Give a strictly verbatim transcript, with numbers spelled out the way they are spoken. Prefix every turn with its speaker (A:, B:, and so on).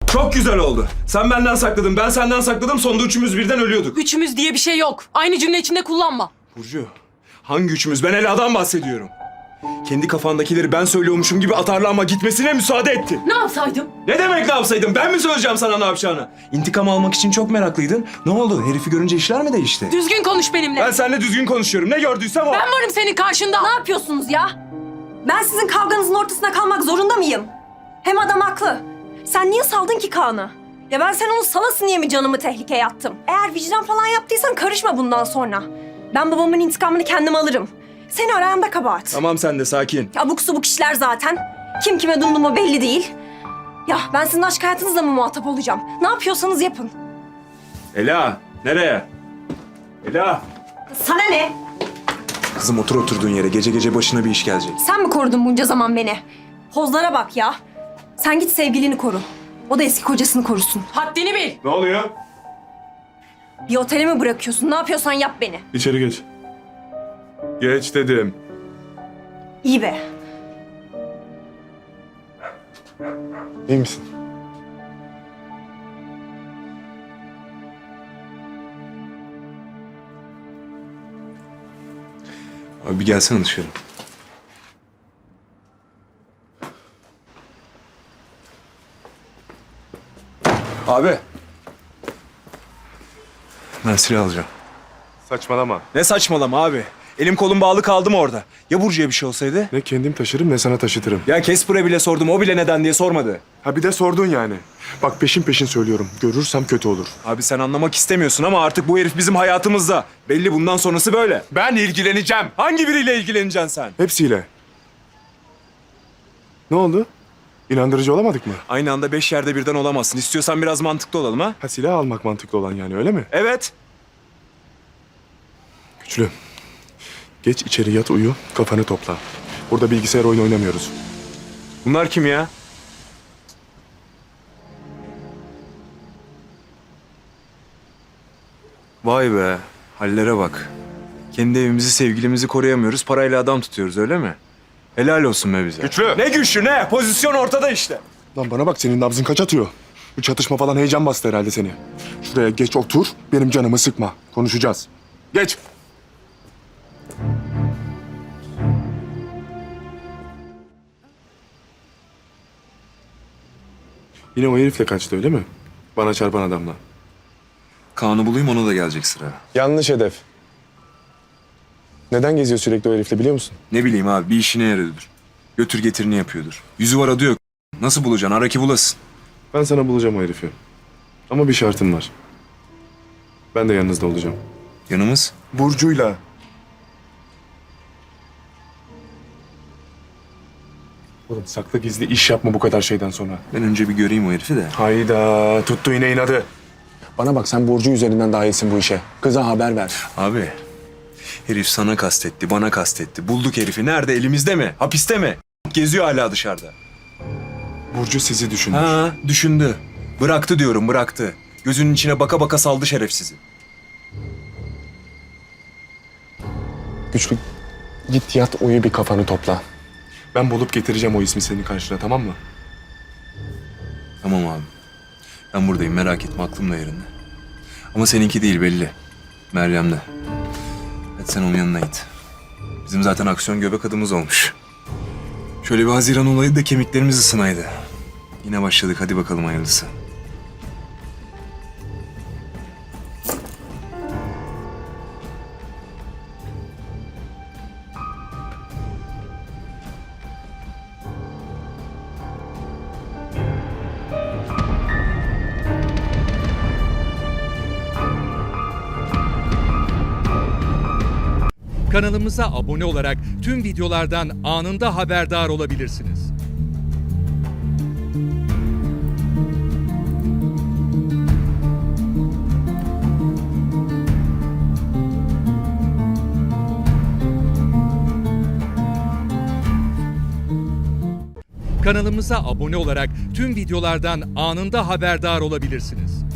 A: Çok güzel oldu. Sen benden sakladın, ben senden sakladım. Sonunda üçümüz birden ölüyorduk.
B: Üçümüz diye bir şey yok. Aynı cümle içinde kullanma.
A: Burcu, hangi üçümüz? Ben Ela'dan bahsediyorum. Kendi kafandakileri ben söylüyormuşum gibi atarlı ama gitmesine müsaade etti.
B: Ne yapsaydım?
A: Ne demek ne yapsaydım? Ben mi söyleyeceğim sana ne yapacağını? İntikam almak için çok meraklıydın. Ne oldu? Herifi görünce işler mi değişti?
B: Düzgün konuş benimle.
A: Ben seninle düzgün konuşuyorum. Ne gördüysem o.
B: Ben varım senin karşında.
C: Ne yapıyorsunuz ya? Ben sizin kavganızın ortasına kalmak zorunda mıyım? Hem adam haklı. Sen niye saldın ki Kaan'ı? Ya ben sen onu salasın diye mi canımı tehlikeye attım? Eğer vicdan falan yaptıysan karışma bundan sonra. Ben babamın intikamını kendim alırım. Seni arayan da kabahat.
A: Tamam sen de sakin.
C: Abuk subuk işler zaten. Kim kime dumduma belli değil. Ya ben sizin aşk hayatınızla mı muhatap olacağım? Ne yapıyorsanız yapın.
A: Ela, nereye? Ela.
C: Sana ne?
A: Kızım otur oturduğun yere. Gece gece başına bir iş gelecek.
C: Sen mi korudun bunca zaman beni? Hozlara bak ya. Sen git sevgilini koru. O da eski kocasını korusun.
B: Haddini bil.
A: Ne oluyor?
C: Bir otele mi bırakıyorsun? Ne yapıyorsan yap beni.
A: İçeri geç. Geç dedim.
C: İyi be.
D: İyi misin?
A: Abi bir gelsene dışarı. Abi. Ben silah alacağım.
D: Saçmalama.
A: Ne saçmalama abi. Elim kolum bağlı kaldım orada. Ya Burcu'ya bir şey olsaydı?
D: Ne kendim taşırım ne sana taşıtırım.
A: Ya Casper'a bile sordum. O bile neden diye sormadı.
D: Ha bir de sordun yani. Bak peşin peşin söylüyorum. Görürsem kötü olur.
A: Abi sen anlamak istemiyorsun ama artık bu herif bizim hayatımızda. Belli bundan sonrası böyle.
D: Ben ilgileneceğim.
A: Hangi biriyle ilgileneceksin sen?
D: Hepsiyle. Ne oldu? İnandırıcı olamadık mı?
A: Aynı anda beş yerde birden olamazsın. İstiyorsan biraz mantıklı olalım ha?
D: Ha silah almak mantıklı olan yani öyle mi?
A: Evet.
D: Güçlü. Geç içeri yat uyu, kafanı topla. Burada bilgisayar oyunu oynamıyoruz.
A: Bunlar kim ya? Vay be. Hallere bak. Kendi evimizi, sevgilimizi koruyamıyoruz. Parayla adam tutuyoruz öyle mi? Helal olsun be bize.
D: Güçlü.
A: Ne güçlü ne? Pozisyon ortada işte.
D: Lan bana bak senin nabzın kaç atıyor? Bu çatışma falan heyecan bastı herhalde seni. Şuraya geç otur, benim canımı sıkma. Konuşacağız. Geç. Yine o herifle kaçtı öyle mi? Bana çarpan adamla.
A: Kaan'ı bulayım ona da gelecek sıra.
D: Yanlış hedef. Neden geziyor sürekli o herifle biliyor musun?
A: Ne bileyim abi bir işine yarıyordur. Götür getirini yapıyordur. Yüzü var adı yok. Nasıl bulacaksın? Ara ki bulasın.
D: Ben sana bulacağım o herifi. Ama bir şartım var. Ben de yanınızda olacağım.
A: Yanımız?
D: Burcu'yla. Oğlum saklı gizli iş yapma bu kadar şeyden sonra.
A: Ben önce bir göreyim o herifi de.
D: Hayda tuttu yine inadı. Bana bak sen Burcu üzerinden dahilsin bu işe. Kıza haber ver.
A: Abi herif sana kastetti, bana kastetti. Bulduk herifi. Nerede? Elimizde mi? Hapiste mi? Geziyor hala dışarıda.
D: Burcu sizi düşünür.
A: Ha, düşündü. Bıraktı diyorum, bıraktı. Gözünün içine baka baka saldı şerefsizi.
D: Güçlü git yat uyu bir kafanı topla. Ben bulup getireceğim o ismi senin karşına tamam mı?
A: Tamam abi. Ben buradayım, merak etme. Aklım da yerinde. Ama seninki değil belli. Meryem'de. Hadi sen onun yanına git. Bizim zaten aksiyon göbek adımız olmuş. Şöyle bir Haziran olayı da kemiklerimiz ısınaydı. Yine başladık. Hadi bakalım hayırlısı.
E: Kanalımıza abone olarak tüm videolardan anında haberdar olabilirsiniz. Kanalımıza abone olarak tüm videolardan anında haberdar olabilirsiniz.